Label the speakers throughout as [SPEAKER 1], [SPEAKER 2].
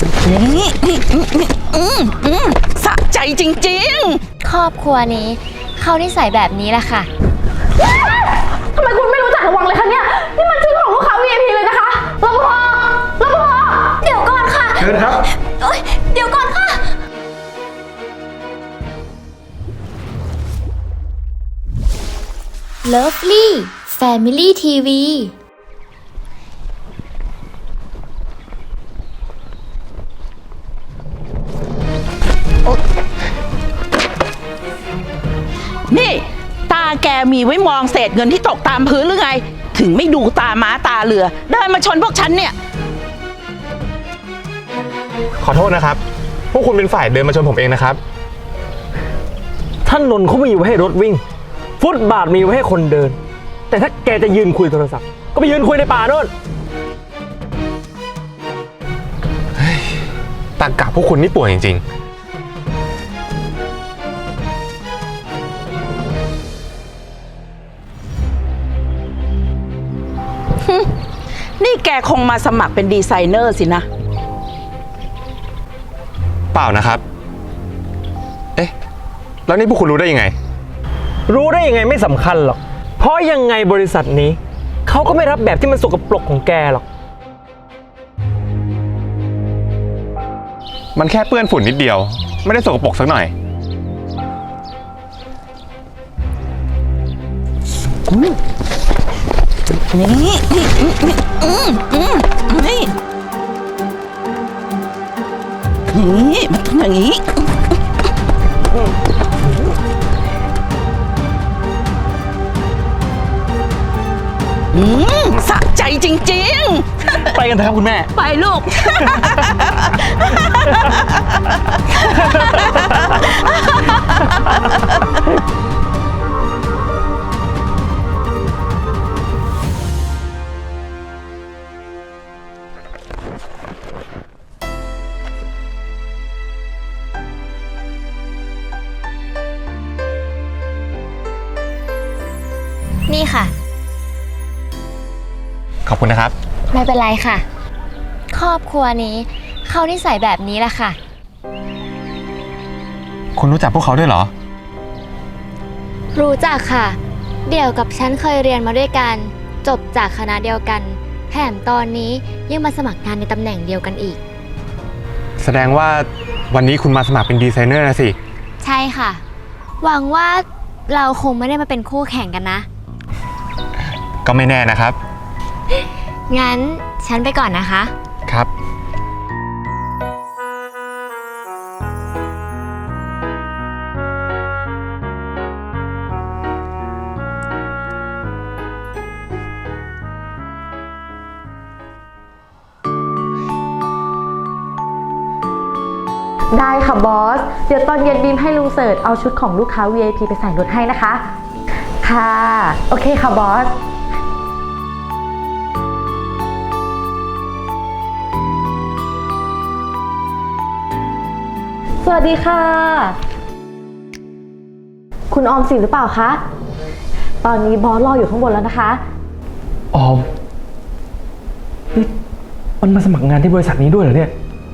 [SPEAKER 1] นี่สะใจจริง
[SPEAKER 2] ๆครอบครัวนี้เขานิสัยแบบนี้แหละค่ะ
[SPEAKER 3] ทำไมคุณไม่รู้จักระวังเลยคะเนี่ยนี่มันชื่อของลูกค้า VIP เลยนะคะรปภเดี๋ยวก่อนค่ะ
[SPEAKER 4] เชิญครับ
[SPEAKER 3] เดี๋ยวก่อนค่ะ
[SPEAKER 2] Lovely Family TV
[SPEAKER 1] นี่ตาแกมีไว้มองเศษเงินที่ตกตามพื้นหรือไงถึงไม่ดูตาม้าตาเรือเดินมาชนพวกฉันเนี่ย
[SPEAKER 4] ขอโทษนะครับพวกคุณเป็นฝ่ายเดินมาชนผมเองนะครับ
[SPEAKER 5] ถนนเขามีไว้ให้รถวิ่งฟุตบาทมีไว้ให้คนเดินแต่ถ้าแกจะยืนคุยโทรศัพท์ก็ไปยืนคุยในป่าโน่น
[SPEAKER 4] ตากะพวกคุณนี่ป่วยจริง
[SPEAKER 1] นี่แกคงมาสมัครเป็นดีไซเนอร์สินะ
[SPEAKER 4] เปล่านะครับเอ๊ะแล้วนี่พวกคุณรู้ได้ยังไง
[SPEAKER 5] รู้ได้ยังไงไม่สำคัญหรอกเพราะยังไงบริษัทนี้เขาก็ไม่รับแบบที่มันสกปรกของแกหรอก
[SPEAKER 4] มันแค่เปื้อนฝุ่นนิดเดียวไม่ได้สกปรกสักหน่อย
[SPEAKER 1] นี่มันต้องอย่างนี้สะใจจริงๆ
[SPEAKER 5] ไปกันเถอะครับคุณแม่
[SPEAKER 1] ไปลูก
[SPEAKER 2] นี่ค่ะ
[SPEAKER 4] ขอบคุณนะครับ
[SPEAKER 2] ไม่เป็นไรค่ะครอบครัวนี้เขานิสัยแบบนี้แหละค่ะ
[SPEAKER 4] คุณรู้จักพวกเขาด้วยเหรอ
[SPEAKER 2] รู้จักค่ะเดี่ยวกับฉันเคยเรียนมาด้วยกันจบจากคณะเดียวกันแถมตอนนี้ยังมาสมัครงานในตำแหน่งเดียวกันอีก
[SPEAKER 4] แสดงว่าวันนี้คุณมาสมัครเป็นดีไซเนอร์นะสิ
[SPEAKER 2] ใช่ค่ะหวังว่าเราคงไม่ได้มาเป็นคู่แข่งกันนะ
[SPEAKER 4] ก็ไม่แน่นะครับ
[SPEAKER 2] งั้นฉันไปก่อนนะคะ
[SPEAKER 4] ครับ
[SPEAKER 3] ได้ค่ะบอสเดี๋ยวตอนเย็นบีมให้ลุงเสิร์ชเอาชุดของลูกค้า VIP ไปใส่รถให้นะคะค่ะโอเคค่ะบอสสวัสดีค่ะคุณออมสินหรือเปล่าคะตอนนี้บอสรออยู่ข้างบนแล้วนะคะ
[SPEAKER 5] ออมนี่มันมาสมัครงานที่บริษัทนี้ด้วยเหรอเนี่ย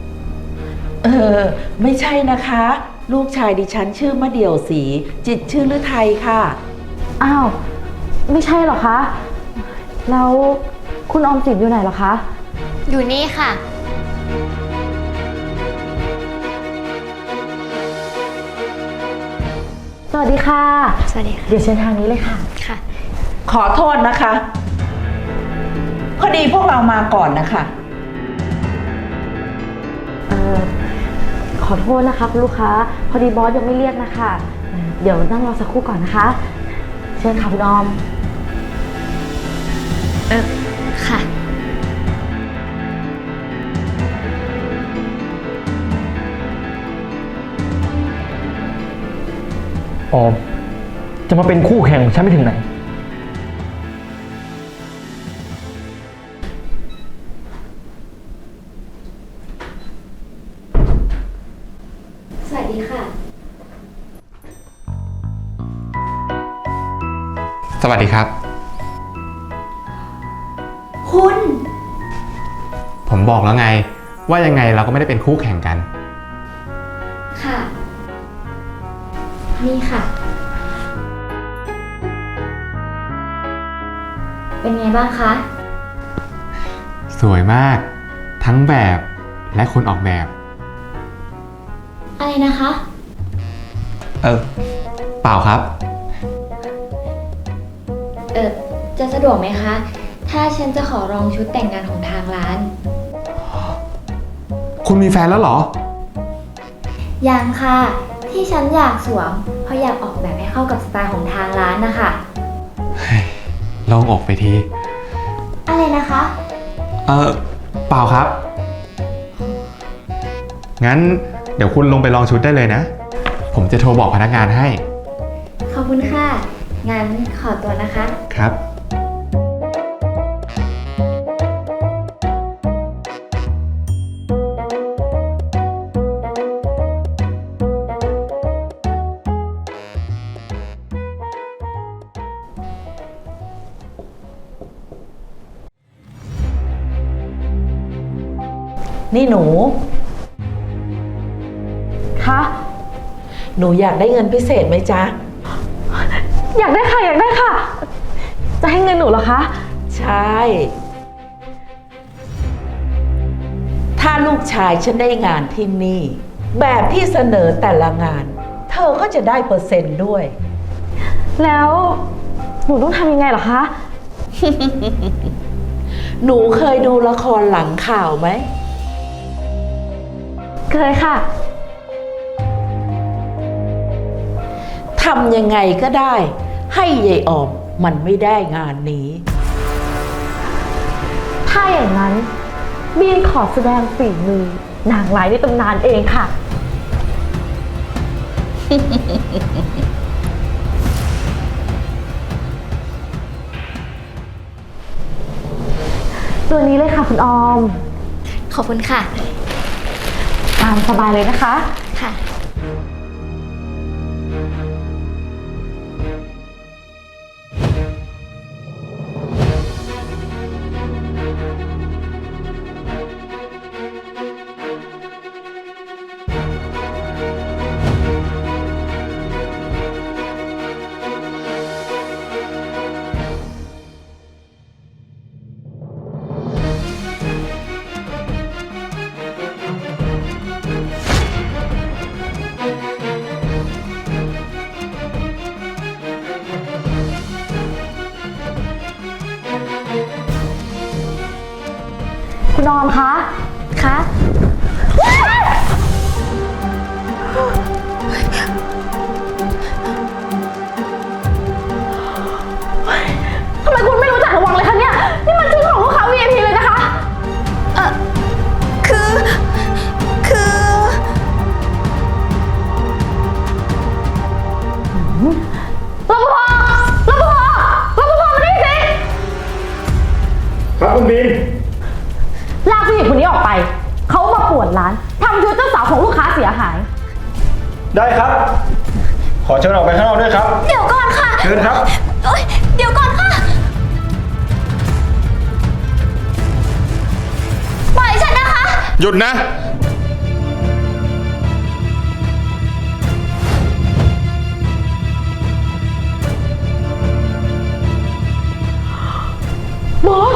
[SPEAKER 1] ไม่ใช่นะคะลูกชายดิฉันชื่อมะเดี่ยวศรีจิตรชื่อฤทัยค่ะ
[SPEAKER 3] อ้าวไม่ใช่หรอคะแล้วคุณออมสินอยู่ไหนหรอคะ
[SPEAKER 2] อยู่นี่ค่ะ
[SPEAKER 3] สวัสดีค่ะ
[SPEAKER 2] สวัสดีค่ะ
[SPEAKER 3] เดี๋ยวเชิญทางนี้เลยค่ะ
[SPEAKER 2] ค่ะ
[SPEAKER 1] ขอโทษนะคะพอดีพวกเรามาก่อนนะคะ
[SPEAKER 3] ขอโทษนะคะคุณลูกค้าพอดีบอสยังไม่เรียกนะคะเดี๋ยวนั่งรอสักครู่ก่อนนะคะเชิญค่ะคุณออม
[SPEAKER 2] ค่ะ
[SPEAKER 5] ออมจะมาเป็นคู่แข่งของฉันไม่ถึงไหน
[SPEAKER 2] สวัสดีค่ะ
[SPEAKER 4] สวัสดีครับ
[SPEAKER 2] คุณ
[SPEAKER 4] ผมบอกแล้วไงว่ายังไงเราก็ไม่ได้เป็นคู่แข่งกัน
[SPEAKER 2] ค่ะ นี่ค่ะ เป็นไงบ้างคะ
[SPEAKER 4] สวยมาก ทั้งแบบและคนออกแบบ
[SPEAKER 2] อะไรนะคะ
[SPEAKER 4] เปล่าครับ
[SPEAKER 2] จะสะดวกไหมคะ ถ้าฉันจะขอลองชุดแต่งงานของทางร้าน
[SPEAKER 4] คุณมีแฟนแล้วเหรอ
[SPEAKER 2] ยังค่ะ ที่ฉันอยากสวม เพราะอยากออกแบบให้เข้ากับสไตล์ของทางร้านนะคะ
[SPEAKER 4] ลองอกไปที
[SPEAKER 2] อะไรนะคะ
[SPEAKER 4] เปล่าครับ งั้นเดี๋ยวคุณลงไปลองชุดได้เลยนะ ผมจะโทรบอกพนักงานให้
[SPEAKER 2] ขอบคุณค่ะ งั้นขอตัวนะคะ
[SPEAKER 4] ครับ
[SPEAKER 1] นี่หนู
[SPEAKER 3] คะ
[SPEAKER 1] หนูอยากได้เงินพิเศษไหมจ๊ะ
[SPEAKER 3] อยากได้ค่ะ อยากได้ค่ะ จะให้เงินหนูเหรอคะ
[SPEAKER 1] ใช่ ถ้าลูกชายฉันได้งานที่นี่ แบบที่เสนอแต่ละงาน เธอก็จะได้เปอร์เซ็นต์ด้วย
[SPEAKER 3] แล้วหนูต้องทำยังไงเหรอคะ
[SPEAKER 1] หนูเคยดูละครหลังข่าวไหม
[SPEAKER 3] เคยค่ะ
[SPEAKER 1] ทำยังไงก็ได้ ให้ยายออมมันไม่ได้งานนี้
[SPEAKER 3] ถ้าอย่างนั้นบีนขอแสดงฝีมือนางร้ายในตำนานเองค่ะ ตัวนี้เลยค่ะคุณออม
[SPEAKER 2] ขอบคุณค่ะ
[SPEAKER 3] ตามสบายเลยนะคะ
[SPEAKER 2] ค่ะ
[SPEAKER 3] คุณออมคะ
[SPEAKER 2] คะ
[SPEAKER 3] ทำไมคุณไม่รู้จักระวังเลยคะเนี่ย นี่มันชื่อของลูกค้า VIP เลยนะคะ
[SPEAKER 2] คือ
[SPEAKER 3] รปภ มานี่สิ
[SPEAKER 5] ครับคุณบีม
[SPEAKER 3] ลากผู้หญิงคนนี้ออกไป เขามาป่วนร้านทำชุดเจ้าสาวของลูกค้าเสียหาย
[SPEAKER 5] ได้ครับ ขอเชิญออกไปข้างนอกด้วยครับ
[SPEAKER 2] เดี๋ยวก่อนค่ะ
[SPEAKER 5] เชิญครับ
[SPEAKER 2] เดี๋ยวก่อนค่ะ ปล่อยฉันนะคะ
[SPEAKER 4] หยุดนะ
[SPEAKER 3] บอส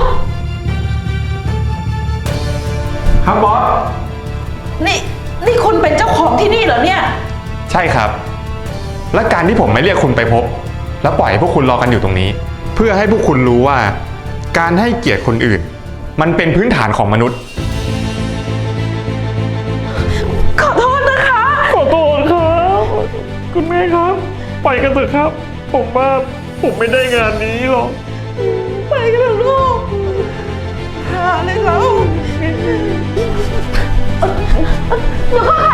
[SPEAKER 5] ครับบอส
[SPEAKER 1] นี่คุณเป็นเจ้าของที่นี่เหรอเนี่ย
[SPEAKER 4] ใช่ครับ และการที่ผมไม่เรียกคุณไปพบ แล้วปล่อยให้พวกคุณรอกันอยู่ตรงนี้ เพื่อให้พวกคุณรู้ว่า การให้เกียรติคนอื่น มันเป็นพื้นฐานของมนุษย์
[SPEAKER 1] ขอโทษนะคะ
[SPEAKER 5] ขอโทษครับ คุณแม่ครับ ไปกันเถอะครับ ผมว่าผมไม่ได้งานนี้หรอก
[SPEAKER 1] ไปกันเถอะลูกหาเลยเรา
[SPEAKER 3] เดี๋ยวก่อนค่ะ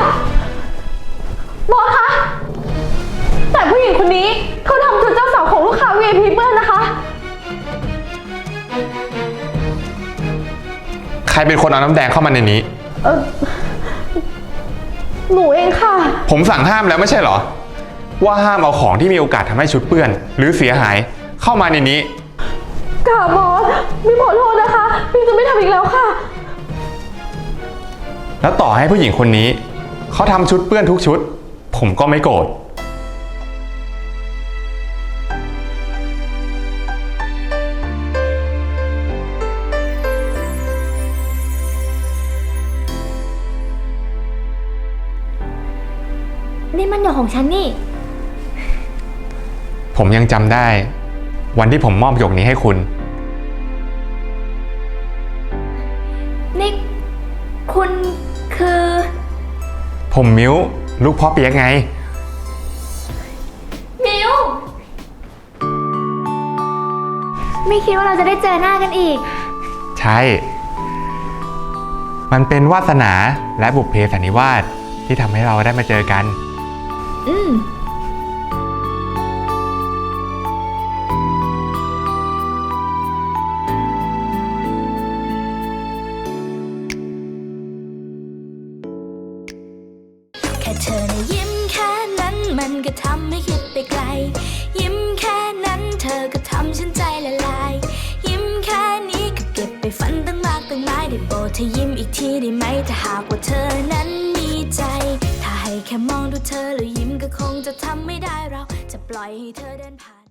[SPEAKER 3] บอสคะ แต่ผู้หญิงคนนี้เขาทำชุดเจ้าสาวของลูกค้า VIP เปื้อนนะคะ
[SPEAKER 4] ใครเป็นคนเอาน้ำแดงเข้ามาในนี้
[SPEAKER 3] หนูเองค่ะ
[SPEAKER 4] ผมสั่งห้ามแล้วไม่ใช่เหรอ ว่าห้ามเอาของที่มีโอกาสทำให้ชุดเปื้อน หรือเสียหายเข้ามาในนี้
[SPEAKER 3] ค่ะบอสบีมขอโทษนะคะบีมจะไม่ทำอีกแล้วค่ะ
[SPEAKER 4] แล้วต่อให้ผู้หญิงคนนี้เขาทำชุดเปื้อนทุกชุด ผมก็ไม่โกรธ
[SPEAKER 3] นี่มันหยกของฉันนี่
[SPEAKER 4] ผมยังจำได้ วันที่ผมมอบหยกนี้ให้คุณ
[SPEAKER 3] นี่คุณคือ
[SPEAKER 4] ผมมิ้วลูกพ่อเปียกไง
[SPEAKER 3] มิวไม่คิดว่าเราจะได้เจอหน้ากันอีก
[SPEAKER 4] ใช่ มันเป็นวาสนาและบุพเพสันนิวาสที่ทำให้เราได้มาเจอกัน
[SPEAKER 3] อืม
[SPEAKER 6] แค่เธอนะยิ้มแค่นั้นมันก็ทำให้คิดไปไกล ยิ้มแค่นั้นเธอก็ทำฉันใจละลาย ยิ้มแค่นี้ก็เก็บไปฝันตั้งมากตั้งหลายได้โปรดเธอยิ้มอีกทีได้ไหมถ้าหากว่าเธอนั้นมีใจ ถ้าให้แค่มองดูเธอแล้วยิ้มก็คงจะทำไม่ได้เราจะปล่อยให้เธอเดินผ่าน